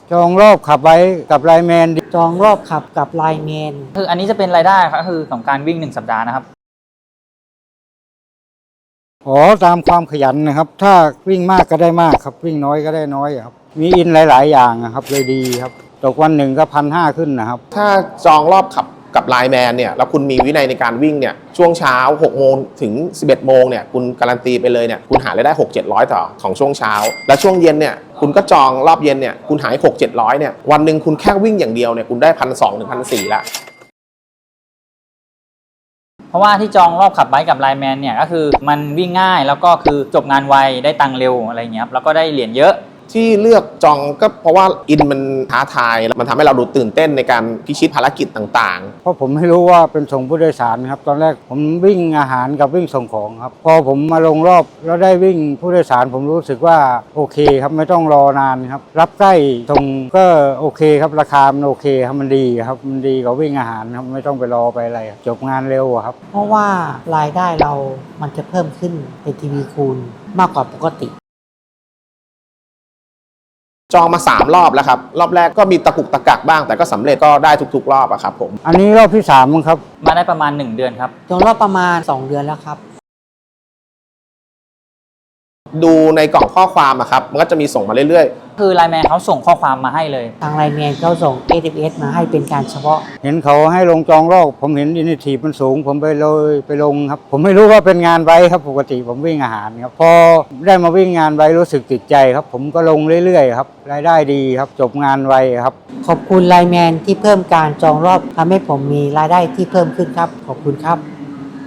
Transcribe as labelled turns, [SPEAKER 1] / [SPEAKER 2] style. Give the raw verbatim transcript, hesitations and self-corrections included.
[SPEAKER 1] จองรอบขับไว้กับไลน์แมน
[SPEAKER 2] จองรอบขับกับไลน์แมน
[SPEAKER 3] คืออันนี้จะเป็นรายได้ครับคือของการวิ่งหนึ่งสัปดาห์นะครับ
[SPEAKER 1] อ๋อตามความขยันนะครับ ถ้าวิ่งมากก็ได้มากครับวิ่งน้อยก็ได้น้อยครับมีอินหลายๆอย่างครับเลยดีครับตกวันหนึ่งก็พันห้าขึ้นนะครับ
[SPEAKER 4] ถ้าจองรอบขับกับไลน์แมนเนี่ยแล้วคุณมีวินัยในการวิ่งเนี่ยช่วงเช้าหกโมงถึงสิบเอ็ดโมงเนี่ยคุณการันตีไปเลยเนี่ยคุณหารายได้หก เจ็ดร้อยต่อของช่วงเช้าแล้วช่วงเย็นเนี่ยคุณก็จองรอบเย็นเนี่ยคุณหายหก เจ็ดร้อยเนี่ยวันหนึ่งคุณแค่วิ่งอย่างเดียวเนี่ยคุณได้พันสองถึงพันสี่ละ
[SPEAKER 3] เพราะว่าที่จองรอบขับไบค์กับไลน์แมนเนี่ยก็คือมันวิ่งง่ายแล้วก็คือจบงานไวได้ตังค์เร็วอะไรเงี้ยครับแล้วก็ได้เหรียญเยอะ
[SPEAKER 4] ที่เลือกจองก็เพราะว่าอินมันท้าทายมันทำให้เราดูตื่นเต้นในการพิชิตภารกิจต่าง
[SPEAKER 1] ๆเพราะผมไม่รู้ว่าเป็นส่งผู้โดยสารครับตอนแรกผมวิ่งอาหารกับวิ่งส่งของครับพอผมมาลงรอบแล้วได้วิ่งผู้โดยสารผมรู้สึกว่าโอเคครับไม่ต้องรอนานครับรับใกล้ส่งก็โอเคครับราคามันโอเคครับมันดีครับมันดีกว่าวิ่งอาหารครับไม่ต้องไปรอไปอะไรจบงานเร็วครับ
[SPEAKER 2] เพราะว่ารายได้เรามันจะเพิ่มขึ้นเป็นทีวีคูณมากกว่าปกติ
[SPEAKER 4] จองมาสามรอบแล้วครับรอบแรกก็มีตะกุกตะกักบ้างแต่ก็สำเร็จก็ได้ทุกๆรอบอะครับผม
[SPEAKER 1] อันนี้รอบที่สามมั้งครับ
[SPEAKER 3] มาได้ประมาณหนึ่งเดือนครับ
[SPEAKER 2] จองรอบประมาณสองเดือนแล้วครับ
[SPEAKER 4] ดูในกล่องข้อความอะครับมันก็จะมีส่งมาเรื่อย
[SPEAKER 3] ๆคือไลน์แมนเขาส่งข้อความมาให้เลย
[SPEAKER 2] ทางไลน์แมนเขาส่ง เอ เอส มาให้เป็นการเฉพาะ
[SPEAKER 1] เห็นเขาให้ลงจองรอบผมเห็นอินิทีฟมันสูงผมไปเลยไปลงครับผมไม่รู้ว่าเป็นงานไว้ครับปกติผมวิ่งอาหารครับพอได้มาวิ่งงานไว้รู้สึกติดใจครับผมก็ลงเรื่อยๆครับรายได้ดีครับจบงานไวครับ
[SPEAKER 2] ขอบคุณไลน์แมนที่เพิ่มการจองรอบทำให้ผมมีรายได้ที่เพิ่มขึ้นครับขอบคุณครับ